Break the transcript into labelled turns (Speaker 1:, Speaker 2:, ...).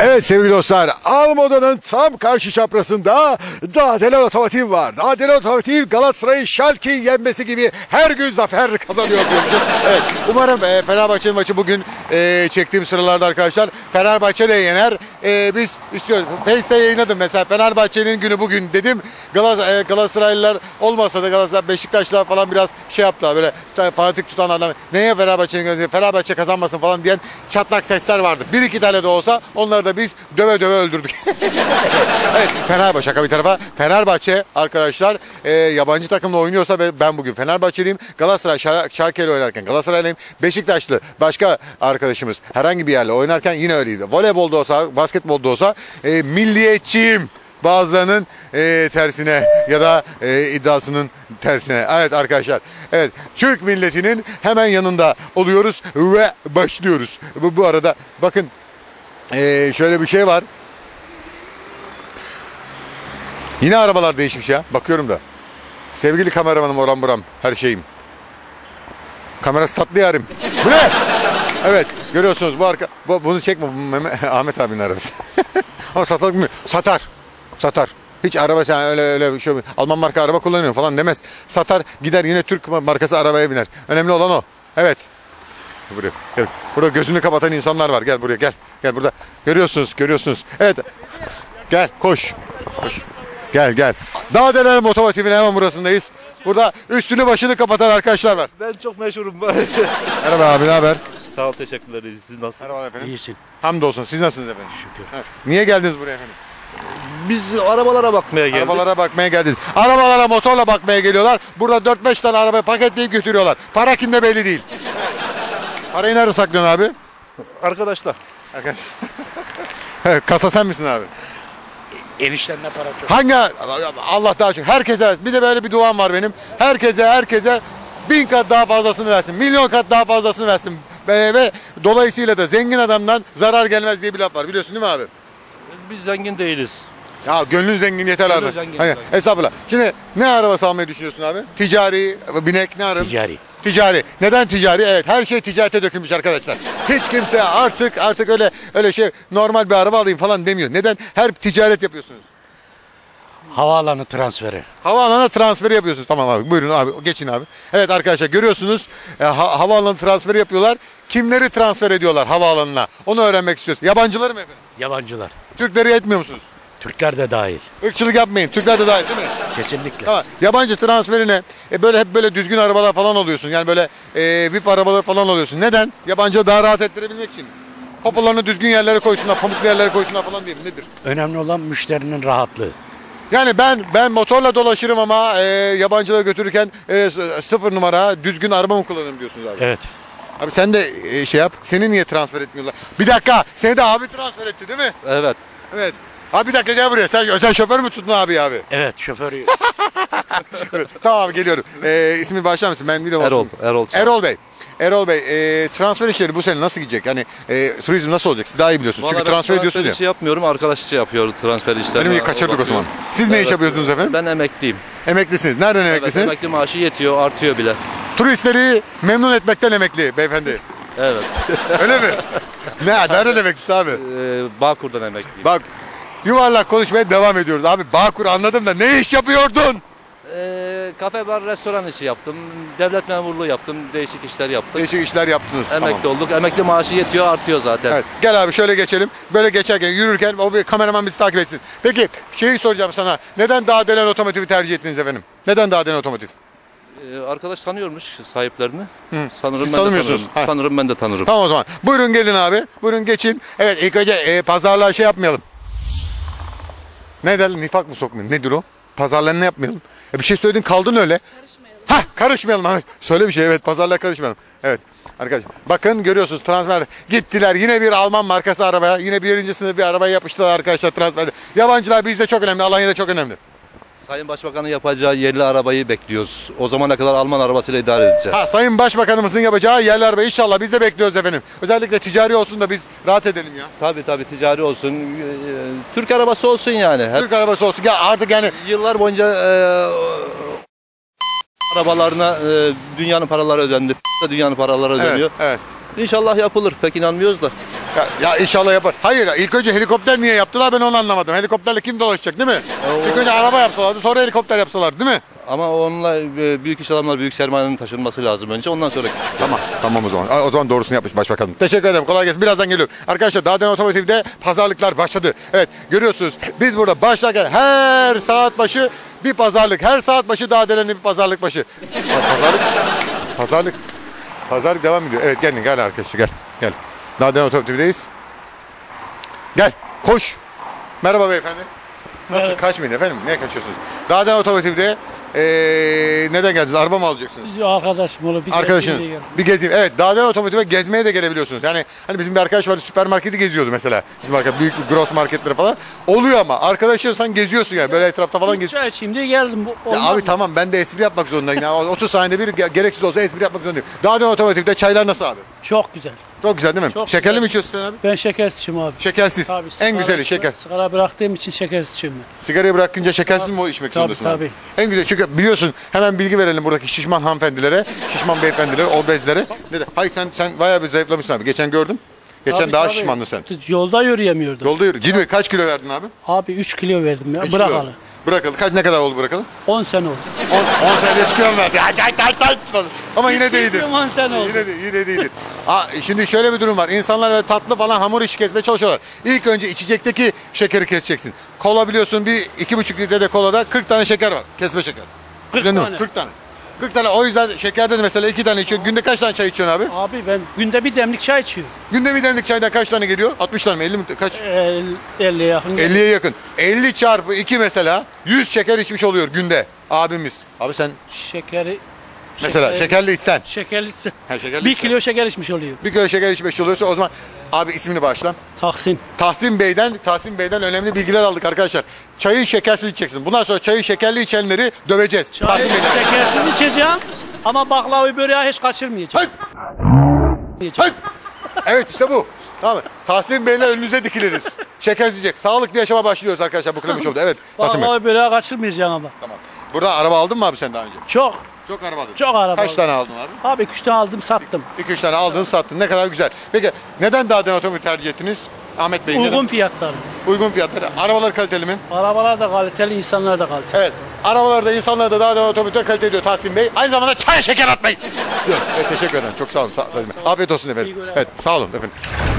Speaker 1: Evet sevgili dostlar, Almoda'nın tam karşı çaprazında Dağdelen Otomotiv var. Dağdelen Otomotiv Galatasaray'ın Schalke'yi yenmesi gibi her gün zafer kazanıyor diyormuşum. Evet, umarım Fenerbahçe'nin maçı bugün çektiğim sıralarda arkadaşlar Fenerbahçe de yener. Biz istiyoruz. Face'te yayınladım mesela, Fenerbahçe'nin günü bugün dedim. Galatasaraylılar olmasa da Galatasaray, Beşiktaşlar falan biraz şey yaptılar, böyle fanatik tutan adam, neye Fenerbahçe'nin günü, Fenerbahçe kazanmasın falan diyen çatlak sesler vardı. Bir iki tane de olsa onları da biz döve döve öldürdük. Evet, Fenerbahçe, şaka bir tarafa, Fenerbahçe arkadaşlar yabancı takımla oynuyorsa ve ben bugün Fenerbahçeliyim. Galatasaray Schalke ile oynarken Galatasaraylıyım. Beşiktaşlı başka arkadaşımız herhangi bir yerle oynarken yine öyleydi. Voleybolda olsa, basketbolda olsa milliyetçiyim. Bazılarının tersine ya da iddiasının tersine. Evet arkadaşlar. Evet, Türk milletinin hemen yanında oluyoruz ve başlıyoruz. Bu arada bakın şöyle bir şey var. Yine arabalar değişmiş ya. Bakıyorum da. Sevgili kameramanım, oram buram, her şeyim. Kamerası tatlı yarim. Bu ne? Evet, görüyorsunuz bunu çekme. Ahmet abinin arabası. Ama satılık mı? Satar. Hiç araba sen öyle şey, Alman marka araba kullanıyor falan demez. Satar, gider yine Türk markası arabaya biner. Önemli olan o. Evet. Buraya gel. Burada gözünü kapatan insanlar var. Gel buraya, gel. Gel burada. Görüyorsunuz. Evet. Gel, koş. Gel. Dağdelen Otomotiv'in hemen burasındayız. Burada üstünü başını kapatan arkadaşlar var.
Speaker 2: Ben çok meşhurum.
Speaker 1: Merhaba abi, ne haber?
Speaker 2: Sağ ol, teşekkürler. Siz nasılsınız?
Speaker 1: Merhaba efendim.
Speaker 3: İyisin.
Speaker 1: Hamdolsun. Siz nasılsınız efendim?
Speaker 3: Şükür.
Speaker 1: Evet. Niye geldiniz buraya efendim?
Speaker 2: Biz arabalara bakmaya geldik.
Speaker 1: Arabalara bakmaya geldiniz. Arabalara motorla bakmaya geliyorlar. Burada 4-5 tane arabayı paketleyip götürüyorlar. Para kimde belli değil. Parayı nerede saklıyorsun abi?
Speaker 2: Arkadaşlar.
Speaker 1: Kasa sen misin abi?
Speaker 3: Eniştenle para çok.
Speaker 1: Hangi? Allah daha çok. Herkese. Bir de böyle bir duam var benim. Herkese 1000 kat daha fazlasını versin. Milyon kat daha fazlasını versin. Ve dolayısıyla da zengin adamdan zarar gelmez diye bir laf var. Biliyorsun değil mi abi?
Speaker 2: Biz zengin değiliz.
Speaker 1: Ya gönlün zengin yeter
Speaker 2: Gönlün
Speaker 1: abi.
Speaker 2: zengin,
Speaker 1: Hayır,
Speaker 2: zengin.
Speaker 1: hesapla. Şimdi ne arabası almayı düşünüyorsun abi? Ticari, binek ne araba? Ticari. Neden ticari? Evet, her şey ticarete dökülmüş arkadaşlar. Hiç kimse artık öyle şey, normal bir araba alayım falan demiyor. Neden? Her ticaret yapıyorsunuz.
Speaker 3: Havaalanı transferi.
Speaker 1: Havaalanına transferi yapıyorsunuz. Tamam abi, buyurun abi, geçin abi. Evet arkadaşlar, görüyorsunuz havaalanı transferi yapıyorlar. Kimleri transfer ediyorlar havaalanına? Onu öğrenmek istiyoruz. Yabancıları mı efendim?
Speaker 3: Yabancılar.
Speaker 1: Türkleri etmiyor musunuz?
Speaker 3: Türkler de dahil.
Speaker 1: Irkçılık yapmayın. Türkler de dahil değil mi?
Speaker 3: Kesinlikle.
Speaker 1: Tamam. Yabancı transferine böyle hep böyle düzgün arabalar falan oluyorsun. Yani böyle VIP arabalar falan oluyorsun. Neden? Yabancıya daha rahat ettirebilmek için. Popolarını düzgün yerlere koysunlar, pamuklu yerlere koysunlar falan diye mi? Nedir?
Speaker 3: Önemli olan müşterinin rahatlığı.
Speaker 1: Yani ben motorla dolaşırım ama yabancılara götürürken 0 numara düzgün araba mı kullanırım diyorsunuz abi?
Speaker 3: Evet.
Speaker 1: Abi sen de şey yap. Seni niye transfer etmiyorlar? Bir dakika. Seni de abi transfer etti değil mi?
Speaker 2: Evet.
Speaker 1: Evet. Abi bir dakika, gel buraya. Sen özel şoför mü tuttun abi?
Speaker 3: Evet, şoförü.
Speaker 1: Evet, tamam abi, geliyorum. İsmi başlar mısın? Ben biliyorum. Erol Bey, transfer işleri bu sene nasıl gidecek? Yani turizm nasıl olacak? Siz daha iyi biliyorsunuz. Çünkü transfer ediyorsunuz ya.
Speaker 2: Transfer işi yapmıyorum. Arkadaş işi yapıyor transfer işlerini.
Speaker 1: Benim iyi kaçırdık o zaman. Siz ne iş yapıyordunuz efendim?
Speaker 2: Ben emekliyim.
Speaker 1: Emeklisiniz. Nereden emeklisiniz?
Speaker 2: Evet, emekli maaşı yetiyor, artıyor bile.
Speaker 1: Turistleri memnun etmekten emekli beyefendi.
Speaker 2: Evet.
Speaker 1: Öyle mi? Nereden emeklisi abi?
Speaker 2: Bağkur'dan emekliyim.
Speaker 1: Bak, yuvarlak konuşmaya devam ediyoruz. Abi Bağkur anladım da ne iş yapıyordun?
Speaker 2: Kafe, bar, restoran işi yaptım. Devlet memurluğu yaptım. Değişik işler yaptım.
Speaker 1: Değişik işler yaptınız.
Speaker 2: Emekli
Speaker 1: Tamam.
Speaker 2: olduk. Emekli maaşı yetiyor, artıyor zaten.
Speaker 1: Evet, gel abi şöyle geçelim. Böyle geçerken, yürürken o bir kameraman bizi takip etsin. Peki şeyi soracağım sana. Neden Dağdelen Otomotiv'i tercih ettiniz efendim? Neden Dağdelen Otomotiv?
Speaker 2: Arkadaş tanıyormuş sahiplerini. Sanırım
Speaker 1: Siz
Speaker 2: ben de
Speaker 1: tanımıyorsunuz.
Speaker 2: tanırım. Sanırım ben de tanırım.
Speaker 1: Tamam o zaman. Buyurun gelin abi. Buyurun geçin. Evet, ilk önce pazarlığa şey yapmayalım. Ne derler? Nifak mı sokmayalım? Nedir o? Pazarlığa ne yapmayalım? Bir şey söyledin, kaldın öyle. Karışmayalım abi. Söyle bir şey, evet, pazarlığa karışmayalım. Evet arkadaşlar, bakın görüyorsunuz, transfer gittiler yine bir Alman markası arabaya, yine birinci sınıf bir arabaya yapıştılar arkadaşlar transferde. Yabancılar bizde çok önemli, Alanya'da çok önemli.
Speaker 2: Sayın Başbakan'ın yapacağı yerli arabayı bekliyoruz. O zamana kadar Alman arabasıyla idare edeceğiz.
Speaker 1: Sayın Başbakanımızın yapacağı yerli araba inşallah biz de bekliyoruz efendim. Özellikle ticari olsun da biz rahat edelim ya.
Speaker 2: Tabii ticari olsun. Türk arabası olsun yani.
Speaker 1: Türk arabası olsun. Ya artık yani
Speaker 2: yıllar boyunca arabalarına dünyanın paraları ödendi. Dünyanın paraları ödeniyor.
Speaker 1: evet.
Speaker 2: İnşallah yapılır. Pek inanmıyoruz da.
Speaker 1: Ya inşallah yapar. Hayır ilk önce helikopter niye yaptılar ben onu anlamadım. Helikopterle kim dolaşacak değil mi? İlk önce araba yapsalardı sonra helikopter yapsalardı değil mi?
Speaker 2: Ama onunla büyük iş adamlar, büyük sermayenin taşınması lazım önce. Ondan sonra küçük.
Speaker 1: Tamam o zaman. O zaman doğrusunu yapmış başbakanım. Teşekkür ederim. Kolay gelsin. Birazdan geliyorum. Arkadaşlar Dağden Otomotiv'de pazarlıklar başladı. Evet görüyorsunuz biz burada başlarken her saat başı bir pazarlık. Her saat başı Dağdelen'de bir pazarlık başı. Pazarlık devam ediyor. Evet gel arkadaşlar gel. Dağden Otomotiv'deyiz. Gel koş. Merhaba beyefendi. Nasıl kaçmayın efendim? Niye kaçıyorsunuz? Dağden Otomotiv'de neden geldiniz? Araba mı alacaksınız?
Speaker 4: Biz arkadaşım olur. Bir
Speaker 1: Arkadaşınız.
Speaker 4: gezmeye geldik.
Speaker 1: Bir gezeyim. Evet Dağden Otomotiv'e gezmeye de gelebiliyorsunuz. Yani hani bizim bir arkadaş vardı süpermarketi geziyordu mesela. Bizim arkadaş büyük gross marketleri falan. Oluyor ama arkadaşınsan geziyorsun yani. Böyle etrafta falan geziyorsun.
Speaker 4: Çay şimdi geldim.
Speaker 1: Ya abi tamam ben de espri yapmak zorundayım. Ya 30 saniyede bir gereksiz olsa espri yapmak zorundayım. Dağden Otomotiv'de çaylar nasıl abi?
Speaker 4: Çok güzel.
Speaker 1: Çok güzel değil mi?
Speaker 4: Çok
Speaker 1: Şekerli
Speaker 4: güzel.
Speaker 1: mi içiyorsun sen abi?
Speaker 4: Ben şekersiz içiyorum abi.
Speaker 1: Şekersiz.
Speaker 4: Tabii,
Speaker 1: En güzeli şeker.
Speaker 4: Sigara bıraktığım için şekersiz içiyorum ben.
Speaker 1: Sigarayı bırakınca şekersiz mi içmek
Speaker 4: Tabii,
Speaker 1: zorundasın abi?
Speaker 4: tabii.
Speaker 1: En güzel çünkü biliyorsun hemen bilgi verelim buradaki şişman hanımefendilere, şişman beyefendilere, obezlere. Hayır sen bayağı bir zayıflamışsın abi. Geçen gördüm. Geçen
Speaker 4: Tabii,
Speaker 1: daha
Speaker 4: tabii.
Speaker 1: şişmandın sen.
Speaker 4: Yolda yürüyemiyordum.
Speaker 1: Yolda yürü. Ciddi kaç kilo verdin abi?
Speaker 4: Abi 3 kilo verdim ya.
Speaker 1: 3 kilo.
Speaker 4: Bırakalı.
Speaker 1: Bırakalı. Ne kadar oldu bırakalı?
Speaker 4: 10 sene oldu.
Speaker 1: 10 senede 3 kilo mu verdi? Ama yine de iyidir.
Speaker 4: 10 sene oldu.
Speaker 1: Yine de iyidir. Şimdi şöyle bir durum var. İnsanlar böyle tatlı falan hamur işi kesmeye çalışıyorlar. İlk önce içecekteki şekeri keseceksin. Kola biliyorsun bir 2,5 litre de kolada 40 tane şeker var. Kesme şeker.
Speaker 4: 40
Speaker 1: Biliyor musun?
Speaker 4: tane.
Speaker 1: 40 tane. 40 tane. O yüzden şekerde de mesela 2 tane içiyorsun. Günde kaç tane çay içiyorsun abi?
Speaker 4: Abi ben günde bir demlik çay içiyorum.
Speaker 1: Günde bir demlik çaydan kaç tane geliyor? 60 tane mi? 50 mi? Kaç?
Speaker 4: 50'ye yakın.
Speaker 1: 50'ye yakın. 50 çarpı 2 mesela 100 şeker içmiş oluyor günde abimiz. Abi sen
Speaker 4: Şekeri.
Speaker 1: mesela şekerli içsen.
Speaker 4: Şekerli içsen.
Speaker 1: Şekerli
Speaker 4: 1
Speaker 1: içsen.
Speaker 4: kilo şeker içmiş oluyor.
Speaker 1: Bir kilo şeker içmiş oluyorsa o zaman abi ismini bağışla.
Speaker 4: Tahsin.
Speaker 1: Tahsin Bey'den önemli bilgiler aldık arkadaşlar. Çayı şekersiz içeceksin. Bundan sonra çayı şekerli içenleri döveceğiz.
Speaker 4: Çay
Speaker 1: Tahsin Bey'den.
Speaker 4: şekersiz içeceğim. Ama baklavayı böreği hiç kaçırmayacağım.
Speaker 1: Hayır. Evet işte bu. Tamam mı? Tahsin Bey'le önünüze dikiliriz. Şekersiz yiyecek. Sağlıklı yaşama başlıyoruz arkadaşlar bu Klemiş Show'da. Evet. Tahsin Bey.
Speaker 4: Baklavayı böreği kaçırmayacağım ama.
Speaker 1: Tamam. Burada araba aldın mı abi sen daha önce?
Speaker 4: Çok.
Speaker 1: Çok araba aldın.
Speaker 4: Çok araba
Speaker 1: Kaç
Speaker 4: aldım.
Speaker 1: tane aldın abi?
Speaker 4: Abi 2 tane aldım sattım.
Speaker 1: 2-3 tane aldın sattın. Ne kadar güzel. Peki neden Dağden Otomobil tercih ettiniz? Ahmet Bey
Speaker 4: Uygun
Speaker 1: neden?
Speaker 4: fiyatları.
Speaker 1: Uygun fiyatları. Arabalar kaliteli mi?
Speaker 4: Arabalar da kaliteli, insanlar da kaliteli.
Speaker 1: Evet. Arabalarda insanlar da Dağden Otomobil'de kalite ediyor Tahsin Bey. Aynı zamanda çay şeker atmayın. Yok. Evet, teşekkür ederim. Çok sağ olun. Afiyet olsun efendim.
Speaker 4: İyi günler.
Speaker 1: Evet sağ olun efendim.